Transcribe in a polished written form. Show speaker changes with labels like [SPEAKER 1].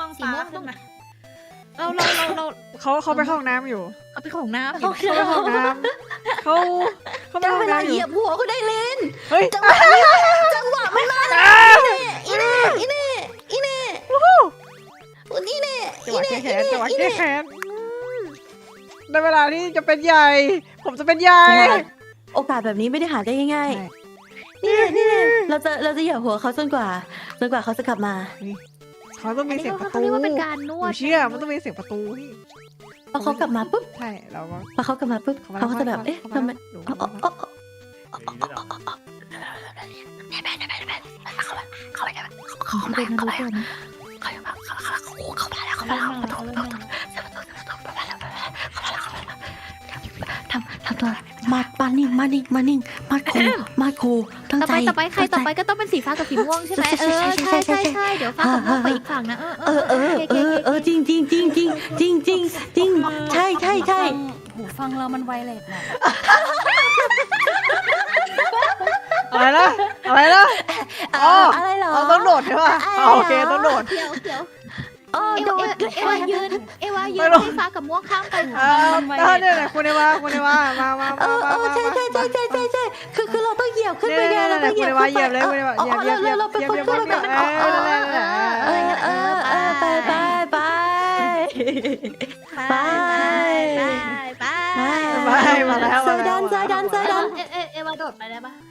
[SPEAKER 1] อง
[SPEAKER 2] สี
[SPEAKER 1] ฟ้า
[SPEAKER 2] ม่วง
[SPEAKER 1] ขึ้นมา
[SPEAKER 3] เขาไปเข้าห้องน้ำอยู่
[SPEAKER 1] เอาไปของน้ำ
[SPEAKER 3] เขาไปเข้าห้องน้ำเขาไป
[SPEAKER 4] จะ
[SPEAKER 3] ห้อง
[SPEAKER 4] เวลา
[SPEAKER 3] น้ำอ
[SPEAKER 4] เห
[SPEAKER 3] ยู่
[SPEAKER 4] ยียบหัวก็ได้เล่น
[SPEAKER 3] เฮ้ย
[SPEAKER 4] จังหวะมันมาอีเน่อีเน่อีเน่นี่เน่
[SPEAKER 3] จังหวะแก้แค้นจังหวะแก้แค้นในเวลาที่จะเป็นใหญ่ ผมจะเป็นใหญ่
[SPEAKER 4] โอกาสแบบนี้ไม่ได้หาได้ง่ายๆนี่เน่เราจะเหยียบหัวเขาจนกว่าเขาจะกลับมา
[SPEAKER 3] เขาต้อง
[SPEAKER 2] อั
[SPEAKER 3] มี
[SPEAKER 2] นนี้
[SPEAKER 3] เสียงประ
[SPEAKER 2] เขา
[SPEAKER 3] ตู
[SPEAKER 2] เรียกว่าเป็นการน
[SPEAKER 3] ห
[SPEAKER 2] ว
[SPEAKER 3] นู
[SPEAKER 2] ด
[SPEAKER 3] เชื่อมันต้องมีเสียงประตู
[SPEAKER 4] พอเขากลับมาปุ๊บ
[SPEAKER 3] ใช่เราก็
[SPEAKER 4] พอเขากลับมาปุ๊บเขาก็จะแบบเอ๊ะทำไม
[SPEAKER 2] เขาเป็นมนุษย์ด้วยนะ
[SPEAKER 4] ทำตัวมานิ่งมาคูตั้ง
[SPEAKER 2] ต่อ
[SPEAKER 4] ใจ
[SPEAKER 2] ไปใครต่อไปก็ต้องเป็นสีฟ้ากับสีม่วงใช่ไหมใช่เดี๋ยวฟ้ากับม่วงไปอีกฝั่งนะ
[SPEAKER 4] จริงใช่
[SPEAKER 1] หูฟังเรามันไวเลสน่ะ
[SPEAKER 3] อะไรนะอะไร
[SPEAKER 4] เหรอ
[SPEAKER 3] ต้องโดดใช่ป่ะโอเคต้องโดด
[SPEAKER 2] เดี๋ยว
[SPEAKER 4] อ๋อ
[SPEAKER 2] เอ
[SPEAKER 4] โด
[SPEAKER 2] วาน ยืนให้ฟ้ากับม่วงข้ามไป
[SPEAKER 3] เนี่ยคุณเอวามา
[SPEAKER 4] ใช่คือเราต้องเหยียบขึ้นไปไงเราต้องเหยียบ
[SPEAKER 3] เหยียบเลยคุณเอวาเหยียบ
[SPEAKER 4] เราเป็นคนขึ้นไปไป
[SPEAKER 2] มาแล้ว
[SPEAKER 4] เซดัน
[SPEAKER 2] เอวาโดดไปได้ปะ